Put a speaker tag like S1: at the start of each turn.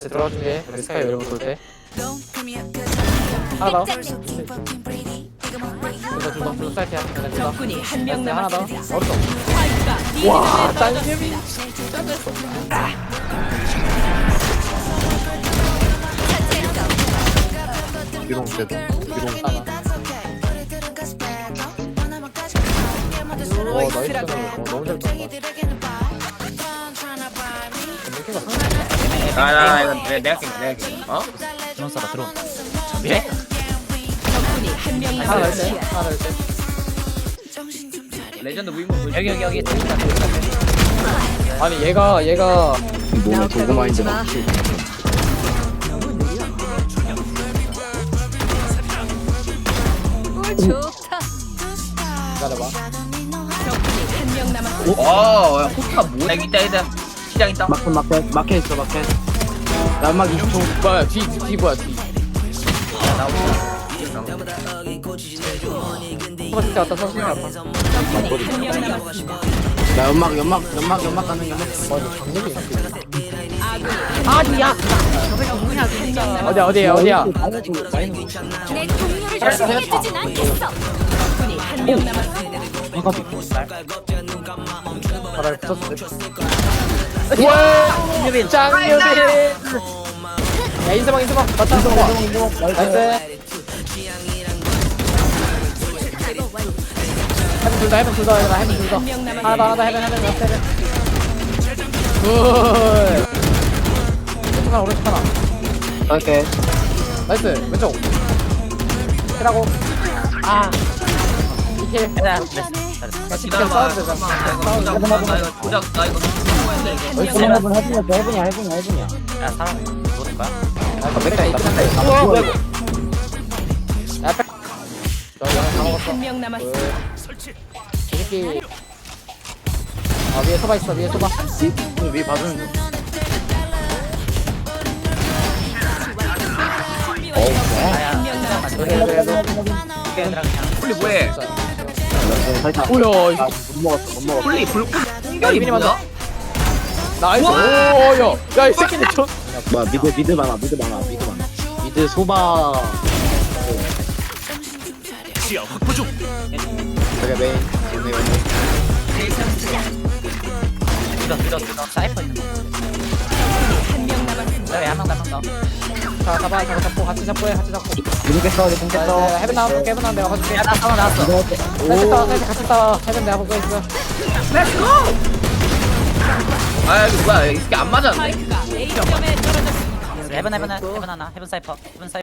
S1: 들어가 준비해. 우리 스카이 열고 돌 때. 하나 더. 둘 사이트야.
S2: 적군이 한 명
S1: 하나 더.
S2: 남았습니다.
S1: 어딨어?
S2: 스파이크가 B
S1: 와,
S2: 지점에
S1: 짱개미.
S3: 기동 제동 기동
S1: 하나. 와, 나이스.
S2: 떨어졌습니다.
S1: 너무 잘 쳤다. 느낌가 상당히.
S4: 나 이거 내가 낀 어?
S5: 드론 쏴라 드론.
S4: 예?
S2: 적군이 한 명
S1: 하나 더 때.
S2: 남았습니다.
S1: 하나 더 때.
S4: 레전드 무인물
S5: 여기 재밌다.
S1: 아니 얘가
S3: 몸에 도구 마인드 넣지
S2: 꿀 좋다.
S1: 기다려봐.
S2: 적군이 한 명 남았습니다.
S4: 야, 호카 뭐야? 여기 있다. 시장 있다.
S3: 마켓 있어 마켓 연막 20초
S1: 뭐야 뒤 뭐야 뒤. 서버스 왔다 서버스 왔다.
S2: 적군이 한 명 남았습니다.
S3: 나 연막 가는 연막
S1: 아니 장력이 있어.
S2: 아군이 한 명 남았습니다.
S1: 어디야?
S2: 내 동료를 희생해주진 않겠어. 적군이 한 명 남았습니다.
S1: 바닥에 붙었어. 우와! 짱유빈! 야 인서방 맞다 나이스. 해븐 둘 다.
S2: 한 명
S1: 하나
S2: 남았습니다.
S1: 더 해븐. 굿. 왼쪽 하나 오른쪽 하나.
S3: 오케이
S1: 나이스 왼쪽. 킬하고. 이킬.
S4: 기다려봐.
S1: 싸워도 되잖아. 싸워도 되잖아.
S4: 나 이거 조작 나 이거
S3: 해븐이야
S5: 야 사람 누구는 거야?
S1: 백다 있다.
S3: 뭐야 이거
S1: 야 백. 너 영화 다 먹었어.
S2: 한 명 남았습니다.
S1: 이 새끼. 위에 소바 있어. 위에 소바.
S3: 위 봐주는 중
S2: 한 명 남았습니다.
S1: 그래도.
S4: 홀리 뭐해?
S1: 뭐야? 이거.
S3: 못 먹었어
S4: 홀리 불꽃
S1: 야 이민이 맞아. 나이스. 야 이 새끼들 저.
S3: 뭐야 미드 많아 미드 소바
S5: 시야 확보 중.
S3: 저게 메인
S5: 들어. 사이퍼 있는 거.
S2: 한 명 남았습니다.
S5: 왜 한명 남았어?
S1: 자 잡고 같이 잡고.
S3: 미드 깼어
S1: 해븐 나올게. 내가 봐줄게.
S5: 야나 사람 나왔어.
S1: 같이 싸워. 해븐 내가 보고 있어.
S4: 아 이거 뭐야? 이게 안 맞았네.
S2: 스파이크가 A 점에 떨어졌습니다.
S5: 해븐 하나. 해븐 사이퍼.